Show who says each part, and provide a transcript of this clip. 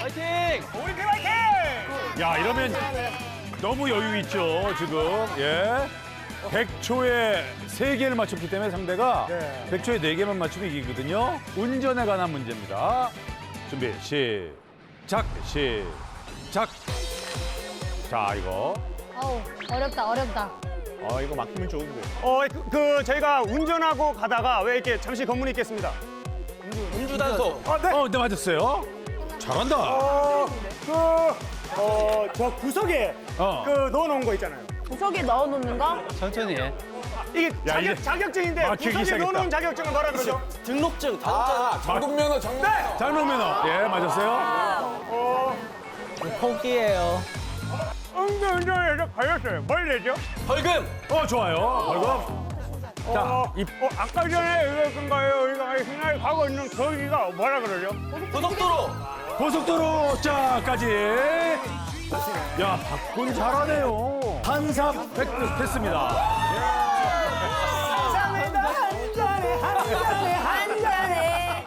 Speaker 1: 화이팅!
Speaker 2: 우리 팀 화이팅!
Speaker 3: 야, 이러면 너무 여유 있죠, 지금. 예. 100초에 3개를 맞췄기 때문에 상대가
Speaker 2: 네.
Speaker 3: 100초에 4개만 맞추면 이기거든요. 운전에 관한 문제입니다. 준비, 시작, 시작. 자, 이거.
Speaker 4: 어우, 어렵다, 어렵다.
Speaker 1: 이거 막히면 좋은데.
Speaker 2: 저희가 운전하고 가다가 왜 이렇게 잠시 검문이 있겠습니다.
Speaker 1: 음주 단속.
Speaker 3: 네, 맞았어요. 잘한다.
Speaker 2: 저 구석에
Speaker 3: 어.
Speaker 2: 넣어놓은 거 있잖아요.
Speaker 4: 구석에 넣어놓는 거?
Speaker 1: 천천히 해.
Speaker 2: 이게
Speaker 3: 야, 이제
Speaker 2: 자격증인데
Speaker 3: 막히기
Speaker 2: 구석에
Speaker 3: 시작했다.
Speaker 2: 넣어놓은 자격증을 뭐라 그러죠?
Speaker 1: 등록증,
Speaker 5: 장군면허, 장군면허.
Speaker 3: 장롱면허. 예, 맞았어요.
Speaker 1: 포기해요.
Speaker 2: 운전에서 걸렸어요. 뭘 내죠?
Speaker 1: 벌금!
Speaker 3: 좋아요. 벌금. 자,
Speaker 2: 아까 전에 이건가요? 이거 신나게 가고 있는 거기가 뭐라 그러죠?
Speaker 1: 고속도로!
Speaker 3: 고속도로자까지. 야, 박군 잘하네요. 한삽 획득했습니다.